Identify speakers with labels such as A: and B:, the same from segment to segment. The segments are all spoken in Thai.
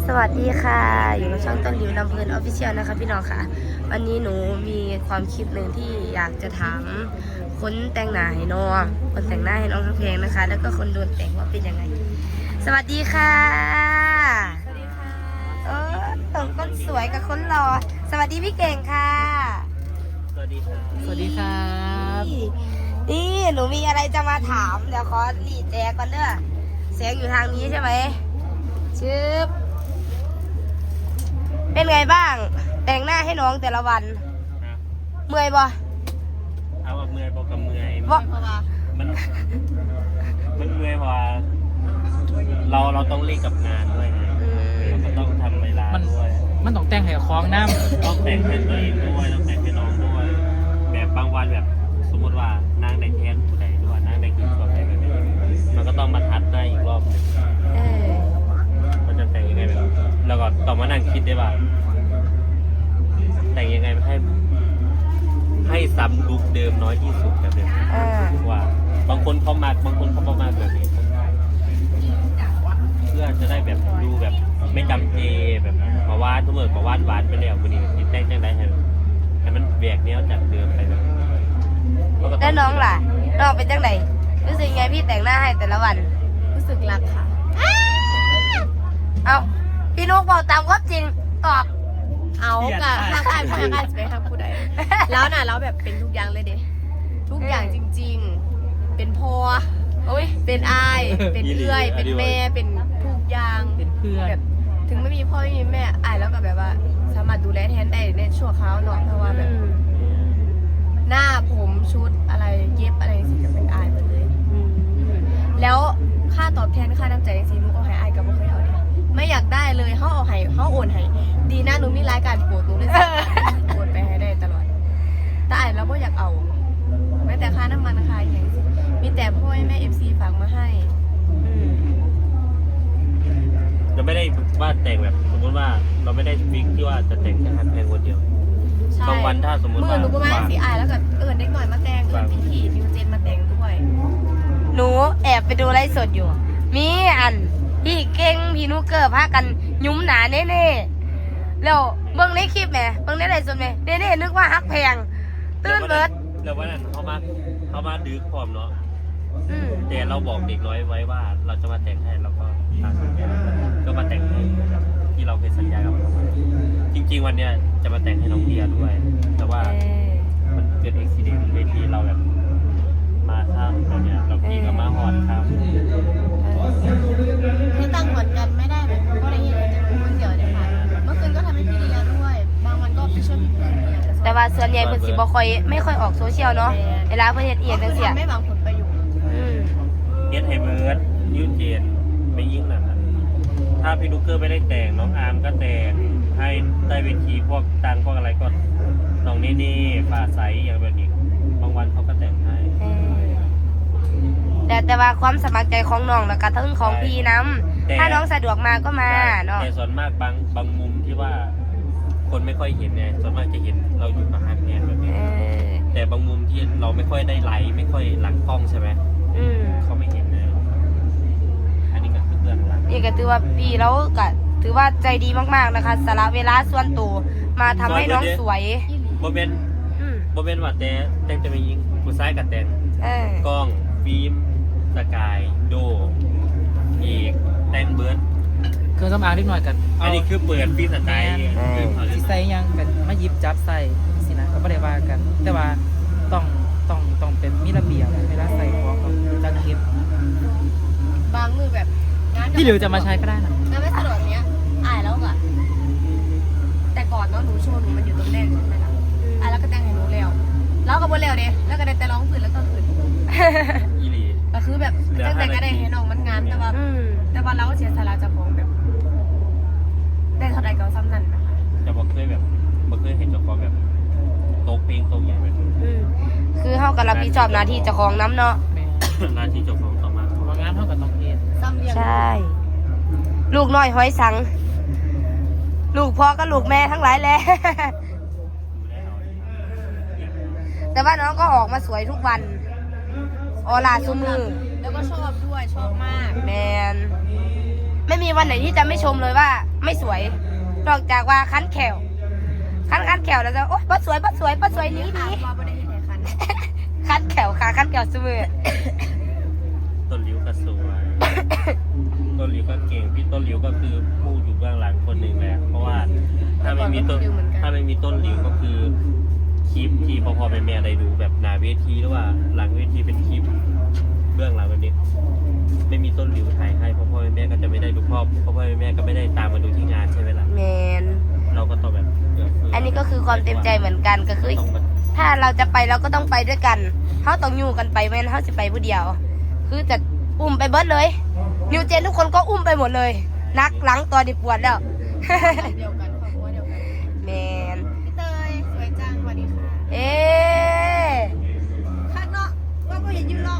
A: สวัสดีค่ะอยู่กับช่องต้นหลิวลำเพลินออฟฟิเชียลนะคะพี่น้องค่ะวันนี้หนูมีความคิดหนึ่งที่อยากจะถามคนแต่งหน้าให้น้องคนแต่งหน้าให้น้องทั้งเพลงนะคะแล้วก็คนโดนแต่งว่าเป็นยังไงสวัสดีค่ะสวัสดีค่ะคนสวยกับคนหล่อสวัสดีพี่เก่งค่ะ
B: สวัสดีครับ
C: สวัสดีครับ
A: นี่หนูมีอะไรจะมาถามเดี๋ยวขอหลีแจก่อนเด้อเสียงอยู่ทางนี้ใช่ไหมชึบเป็นไงบ้างแต่งหน้าให้น้องแต่ละวันเมื่อยบ่
B: เอาแบบเมื่อยบอกกับเมื่อย
A: บ่
B: มันเมื่อยเพราะว่าเราต้องเล่นกับงานด้วยไงเราก็ต้องทำเวลาด้วย
C: มันต้องแต่งให้คล้องน้ำ
B: ต้องแต่งให้ตัวเองด้วยต้องแต่งให้น้องด้วยแบบบางวันแบบสมมติว่านางได้แทนผู้ใดด้วยนางได้กินตัวใดแบบนี้มันก็ต้องมาทัดได้อีกรอบนึงมันจะแต่งยังไงแบบแล้วก็ต้องมานั่งคิดได้ว่าแต่งยังไงให้ซ้ำลุคเดิมน้อยที่สุดแบบนี้ว่าบางคนเขามากบางคนเขาประมาณแบบนี้เพื่อจะได้แบบดูแบบไม่จำเจแบบมาว่าทุกเมื่อมาว่าหวานไปแล้ววันนี้ติดแต่งจังไรให้มันแบกเนี้ยจากเดิมไปแบบ
A: แล้วน้องล่ะน้องเป็นจังไหนรู้สึกไงพี่แต่งหน้าให้แต่ละวัน
D: รู้สึกรักค่ะ
A: เอาพี่นุ๊กบอกตามความจริงตอบ
D: เอากะถ้าการพนักงานจะไปทำผู้ใดแล้วน่ะแล้วแบบเป็นทุกอย่างเลยเด้ทุกอย่างจริงๆเป็นพ่อเป็นอายเป็นเอื้อยเป็นแม่เป็นทุกอย่าง
C: เป็นเพื่อน
D: แบบถึงไม่มีพ่อไม่มีแม่อายแล้วก็แบบว่าสามารถดูแลแทนได้ในชั่วคราวเนาะเพราะว่าแบบหน้าผมชุดอะไรเย็บอะไรสิจะเป็นอายหมดเลยแล้วค่าตอบแทนค่าน้ำใจสิหนูเอาให้อายกับบ่เคยเอาเลยไม่อยากได้เลยเขาเอาให้เขาโอนให้ดีนะหนูมีรายการโปรดหนูเลยโอนไปให้ได้ตลอดแต่อายแล้วก็อยากเอาแม้แต่ค่าน้ำมันค่าอย่างสิมีแต่พ่อแม่FCฝากมาให้
B: เราไม่ได้ว่าแต่งแบบสมมติว่าเราไม่ได้ฟิกที่ว่าจะแต่งแค่ฮันแพงคนเดียวบางวันถ้าสมมติว่า
D: หนูก็มาสีอายแล้วก็เด็กหน่อยมาแต่งพี่นิวเจนมาแต่งด้วย
A: หนูแอบไปดูไลฟ์สดอยู่มีอันพี่เก่งพี่นุ๊กเกอร์พากันยุ้มหนาเน่ๆแล้วเบิ่งในคลิปแหมเบิ่งในไลฟ์สดแหมเน่ๆนึกว่าฮักแพงตื่นเบิด
B: แล้ววันนั้นเขามาดื้อความเนาะแต่เราบอกเด็กน้อยไว้ว่าเราจะมาแต่งให้เราก็ก็มาแต่งให้ที่เราเคยสัญญากับเขาจริงๆวันเนี้ยจะมาแต่งให้น้องเบียร์ด้วย แต่ว่ามันเกิดอุบิเหตุเวทีเราแบบมาข้ามอะไรเงี้ยเราพี่ก็มาหอดข้าม
D: ที่ตั้งเหมือนกันไม่ได้แบบก็ได้ยินแต่คนเดียวเลยค่ะเมื่อคืนก็ทำให้พี่เดียด้วยบางวันก็ไปช่วยพี่เพื่อน
A: แต่ว่าส่วนใหญ่เพิ่นสิบ่ค่อยไม่ค่อยออกโซเชียลเนาะเวลาเพิ่นเฮ็ดเอียงจังซี่
D: ไม่หวังผลประโยชน์
B: เฮ็ดให้เบิร์ดยืดเจนไม่ยิ่งนะครับถ้าพี่ลูกเกอร์ไม่ได้แต่งน้องอาร์มก็แต่งให้ใต้เวทีพวกตังพวกอะไรก็น้องนี่ฝ่าใสอย่างแบบนี้บางวันเขาก็แต่งให้
A: แต่ว่าความสมัครใจของน้องแล้วก็ทั้งของพี่น้ำถ้าน้องสะดวกมาก็มาเนาะ
B: แต่ส่วนมากบางมุมที่ว่าคนไม่ค่อยเห็นไงส่วนมากจะเห็นเราอยู่กับฮักแนนแบบนี้แต่บางมุมที่เราไม่ค่อยได้ไลฟ์ไม่ค่อยหลังกล้องใช่ไหมเขาไม่เห็นเลยอันนี้ก็คือเรื่องหลัง
A: นี่ก็ถือว่าพี่แล้วก็ถือว่าใจดีมากๆนะคะสละเวลาส่วนตัวมาทำให้น้องสวย
B: โมเมนต์ว่าแต่งจะไม่ยิงผู้ชายกับแต่งกล้องฟิล์มสกายโดอีกแต่งเบิร์ด
C: เครื่องสำอางนิดหน่อยกัน
B: อันนี้คือเปิดฟิล์มสกาย
C: ที่ใส่ยังกันมายิบจับใส่สินะก็ไม่ได้ว่ากันแต่ว่าต้องเป็นมีระเบียบเวลาใส่ของจังเก็
D: บบางมือแบบ
C: ที่เหลือจะมาใช้ก็ได้นะ
D: งานไม่สะดวกเนี้ยอายแล้วอะแต่ก่อนเนาะหนูโชว์หนูมันอยู่ตรงแรกใช่ไหมล่ะอายแล้วก็แต่งให้หนูแล้วก็บนเร็วเด้แล้วก็ได้แต่ร้องฝืนแล้วก็ฝืน
B: อีหลี
D: ก็คือแบบแต่ก็ได้ให้น้องมันงานแต่ว่าเราก็เสียสละจากของแบบได้เท่าใดก็ซ้ำนั่นนะคะ
B: จะบอกเคยเห็นเจ้าของแบบโต๊ะเพลงโต๊ะใหญ่แบบ
A: คือเขากับรับผิดชอบหน้าที่เจ้าของน้ำเนาะ
B: หน้าที่เจ้าของต่อมา
C: เพราะงานเท่ากับต้องเรียน
A: ใช่ลูกน้อยห้อยสังลูกพ่อก็ลูกแม่ทั้งหลายแหละแต่ว่าน้องก็ออกมาสวยทุกวันออร่าซุมือ
D: แล้วก็ชอบด้วยชอบมาก
A: แมนไม่มีวันไหนที่จะไม่ชมเลยว่าไม่สวยนอกจากว่าคันแขวคันแขวแล้วจะโอ๊ยป้าสวยหนี้
D: ถามว่าบ่ได้เห็นไหนคัน
A: คันแขวค่ะคันแขวเสมอ
B: ต้นหลิวก็สวย ต้นหลิวก็เก่งพี่ต้นหลิวก็คือผู้อยู่เบื้องหลังคนหนึ่งแหละเพราะว่าถ้าไม่มีต้นหลิวก็คือคลิปที่พ่อแม่ได้ดูแบบหน้าเวทีหรือว่าหลังเวทีเป็นคลิปเบื้องหลังแบบนี้ไม่มีต้นหลิวถ่ายให้พ่อแม่ก็จะไม่ได้ดูพ่อแม่ก็ไม่ได้ตามมาดูที่งานใช่ไหมล่ะ
A: แมน
B: เราก็ต้องแบบ
A: อันนี้ก็คือความเต็มใจเหมือนกันก็คือ ถ้าเราจะไปเราก็ต้องไปด้วยกันเขาต้องอยู่กันไปแม่นเขาจะไปผู้เดียว คือจะอุ้มไปเบิดเลยนิวเจนทุกคนก็อุ้มไปหมดเลยนักหลังตัวดิปวดแล้ว
D: เดียวกันครอบครัวเดียวกัน
A: แมน
D: พี่เตยสวยจังสวัสดีค่ะ
A: เอ๊
D: ข้างนอกว่าบ่เห็นยืนหรอก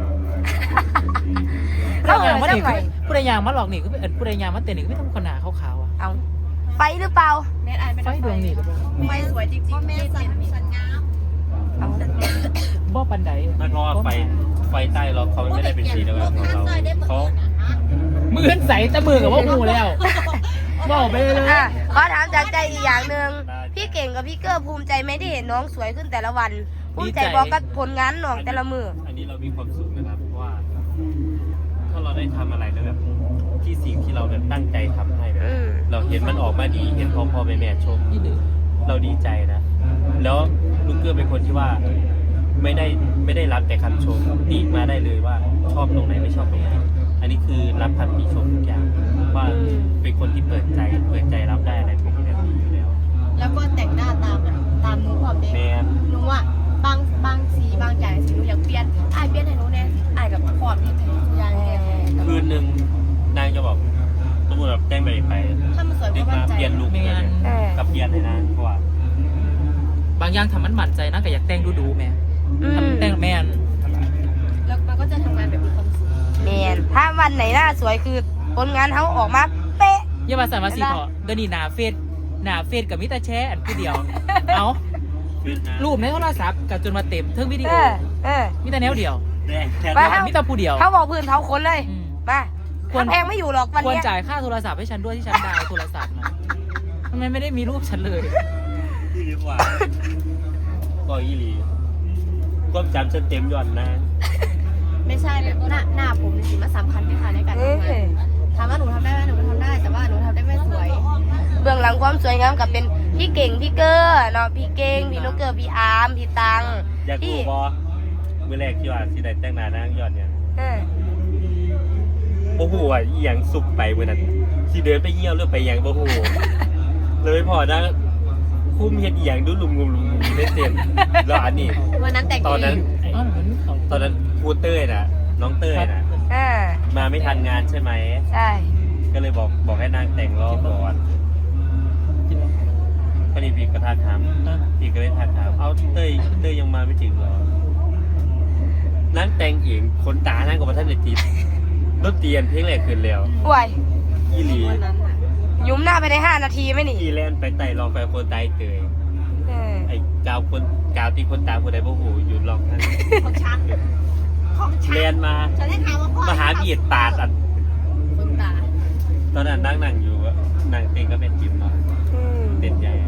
A: เขา
C: ผู้
A: เหิ
C: ใด
A: น
C: มา
A: สั
C: ห
A: ก
C: นี
A: หน่อย
C: ผู้ใดยางมาหลอกหนีก็เป็นผู้ใดยางมาเต้นหนีก็ไม่ต้องคนหนาขาวๆอ่ะ
A: เอาไปหรือเปล่า
D: เน็ตไอไม่
C: ไฟ
D: ได้
C: ดวงนี่ก็บ่
D: ไฟสวยจริงๆแม่สันงาม
A: เอา
C: บ่ปันใด
B: ไม่เพราะว่าไฟใต้เราเขาไม่ได้เป็นสีเดียวกันของเราเขา
C: มือใสแต่มือกับว่าหูแล้วบอกไปเลย
A: อ่ะขอถามจากใจอีกอย่างหนึ่งพี่เก่งกับพี่เกอร์ภูมิใจไหมที่เห็นน้องสวยขึ้นแต่ละวันภูมิใจบอกกับผลงานน้องแต่ละมือ
B: อันนี้เรามีความสุขนะครับเพราะว่าถ้าเราได้ทำอะไรแล้วแบบที่สิ่งที่เราแบบตั้งใจทำให้แบบ
A: อืม
B: เราเห็นมันออกมาดีเห็นพ่อแม่ชม
C: นี่ดื้อ
B: เราดีใจนะ แล้วลูกเกื้อเป็นคนที่ว่าไม่ได้รับแต่คำชมติมาได้เลยว่าชอบตรงไหนไม่ชอบตรงไหนอันนี้คือรับคำติชมทุกอย่างว่าเป็นคนที่เปิดใจรับได้อะไรพวกนี้แบบนี้อยู่แล้ว
D: แล้วก็แต่งหน้าตามหนูความเด็ก
B: แมน
D: หนูอ่ะบางสีบางอย่างสีหนูอยากเปลี่ยนเปลี่ยนให้หนูแน่อายกับความที่เธออย่างแน่
B: คืนหนึ่งนางจะบอกสมมติแบบแต่งไป
D: ถ้ามันสวย
B: ดึ
D: ก็
B: ก
D: มั่
B: มาน
D: ใจ
B: เปลี่ยนลุคเลยกับเปลี่ยนให้นางเพราะว่า
C: บางอย่างทำมันหมั่นใจนะก็อยากแต่งดูๆแม่
A: อืม
C: ทำแต่งแม่น
D: แล้วมันก็จะทำงานแบบมีความสุข
A: แมนถ้าวันไหนหน้าสวยคือผลงานเขาออกมาเป๊ะ
C: อย่ามาใส่มาสีเถาะเดี๋ยวนี้หนาเฟซกับมิตาแชร์อันผู้เดียว เอารูปในโทรศัพท์กับจนมาเต็มเทิงวิดีโอ มิตาแนวเดียว
B: แรงแค่
A: ไป
C: มิตาผู้เดียว
A: เขาบอกพื้นเขาคนเลย
C: อืม
A: มาคนแพงไม่อยู่หรอกวัน
C: ควร
A: เนี้ย
C: จ่ายค่าโทรศัพท์ให้ฉันด้วยที่ฉันดาวน์โทรศัพท์นะทำไมไม่ได้มีรูปฉันเลย
B: ที่ดีกว่าก็อีหลีก็จำฉันเต็มย่อนนะ
D: ไม่ใช่แบบหน้าผมจริงๆมันสำคัญที่ค่ะในการทำงานถามว่าหนูทำได้ไหมหนูก็ทำได้แต่ว่าหนูทำได้ไม่สวย
A: เบื้องหลังความสวยงามกับเป็นพี่เก่งพี่เกอร์เนาะพี่เก่งพี่นกเกอร์พี่อาร์มพี่ตัง
B: อยาก
A: พี่
B: รู้บอมือแรกที่ว่าสิได้แต่งหน้านางยอดเนี่ย
A: เออ
B: โอ้โหอ่ะอีหยังสุกไปมือนั้นสิเดินไปเยี่ยวหรือไปหยังโอ้โหเลยพอนะคุ้มเฮ็ดอีหยังดูลุมเล่นเต็มแล้วอันนี้
D: วันนั้นแต่ง
B: ตอนนั้น
C: อ้าวเหมือนของ
B: ตอนนั้นครูเต้ยน่ะ น้องเต้ยน่ะ
A: อ่า
B: มาไม่ทันงานใช่ไหม
A: ใช่
B: ก็เลยบอกให้นางแต่งรอบก่อน
C: กินไหม
B: พอดีพี่ก็ทักถาม
C: อ่ะ
B: พี่ก็เลยทักถามเอาเต้ยยังมาไม่ถึงเหรอนั่งแต่งเองคนตานั่งกับพระท่านเลยจีบรถเตียนเพลงแรกขึ้นแล้ว
A: ป่วย
B: อีหลี
D: วันนั้นน่ะ
A: ยุ้มหน้าไปใน5 นาทีไหมนี่
B: อีแลนไปไต่ลองไปคนตายเตย
A: เออ
B: ไอ้กาวตีคนตาคนใดบ่หูอยู่ลองนั่น
D: ของฉันของฉัน
B: แลนมา
D: ฉันได้ถามว่าพ่อ
B: มาหาเบียดปาดอัน
D: คุณตา
B: ตอนนั้นนั่งอยู่อะนั่งเต็งก็เป็นจิมเนาะ
A: อืม
B: เด่นใหญ่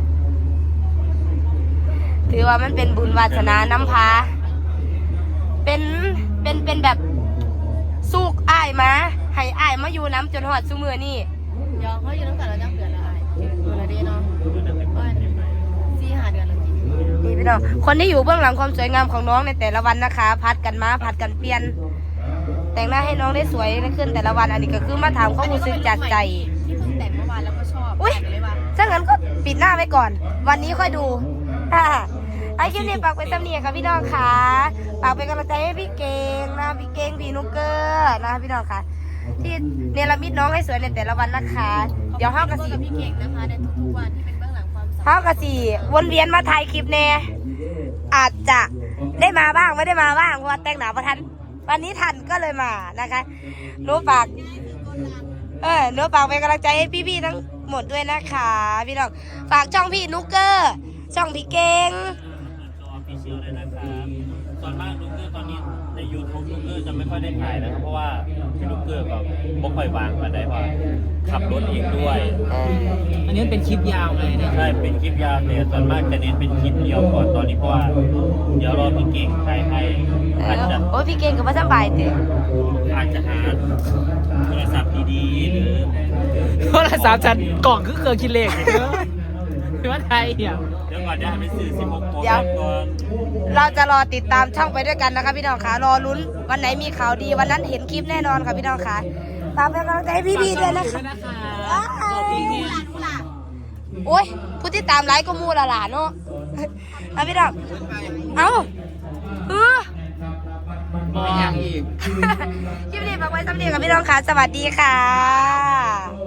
A: ถือว่ามันเป็นบุญวาสนาน้ำพาเป็นแบบสุกอ้ายมาให้อ้ายมาอยู่น้ำจนหอดซุมือนี่
D: เดี๋ยวเขาอยู่ตั้งแต่เราจ้างเดือนละเดือนละเดือนเนาะ4-5 เดือนแล้วจริง
A: นี่พี่น้องคนที่อยู่เบื้องหลังความสวยงามของน้องในแต่ละวันนะคะพัดกันมาพัดกันเปลี่ยน แต่งหน้าให้น้องได้สวยขึ้นแต่ละวันอันนี้ก็คือมาถามความรู้สึกจากใจ
D: ที่เพิ่งแต่งเมื่อวานแล้วก็ชอบ
A: อุ๊ย
D: เลยว่า
A: ถ้างั้นก็ปิดหน้าไว้ก่อน วันนี้ค่อยดูอ่าไอ้คลิปนี้ฝากเป็นตำเนียค่ะพี่น้องค่ะฝากเป็นกำลังใจให้พี่เก่งนะพี่เก่งพี่นุกเกอร์นะพี่น้องค่ะ ที่เนรมิตน้องให้สวยในแต่ละวันนะคะ เดี๋ยวห้าวกระสี
D: กับพี่เก่งนะคะในทุกๆวันที่เป็นเบื้องหลังความสำเร็จ
A: ห้าวกระสีวนเวียนมาถ่ายคลิปแน่อาจจะได้มาบ้างไม่ได้มาบ้างเพราะว่าแต่งหนาประทันวันนี้ทันก็เลยมานะคะหนูฝากหนูฝากเป็นกำลังใจให้พี่ๆทั้งหมดด้วยนะคะพี่น้องฝากช่องพี่นุกเกอร์ช่องพี่เก่ง
B: ตัวออฟฟิเชียลเลยนะครับส่วนมากลูกเกอร์ตอนนี้ใน YouTube ลูกเกอร์จะไม่ค่อยได้ถ่ายนะครับเพราะว่าพี่ลูกเกอร์ก็บ่ค่อยวางมาได้ว่าขับรถเองด้วย
C: อันนี้มันเป็นคลิปยาวไงเนี่ย
B: ใช่เป็นคลิปยาวแต่ส่วนมากจะเน้นเป็นคลิปเดียวก่อนตอนนี้เพราะว่าเดี๋ยวรอพี่เก่งถ่ายให้อาจจะ
A: โอ้ยพี่เก่งกับว่าสบายเตะ
B: อาจจะหาโทรศัพท์ดีๆหรือ
C: โทรศัพท์ฉันกล่องคือเครื่องคิดเลขเนอะที่ว่าไทยอ่ะ
B: เดี๋ยวก่อนจะไปซื้อ16 Pro
A: เดี๋ยว
B: Max ก่อน
A: เราจะรอติดตามช่องไปด้วยกันนะคะพี่น้องคะรอลุ้นวันไหนมีข่าวดีวันนั้นเห็นคลิปแน่นอนค่ะพี่น้องคะตามเป็นกำลังใจให้พี่ๆด้วยนะคะ
C: ขอบคุณเนี่ย
A: โอ้ยผู้ที่ตามไลค์ก็มูละหลานเนาะเอาพี่น้องเอาเออ
C: บอกอย่างอีก
A: คลิปนี้ฝากไว้สำเร็จกับพี่น้องค่ะสวัสดีค่ะ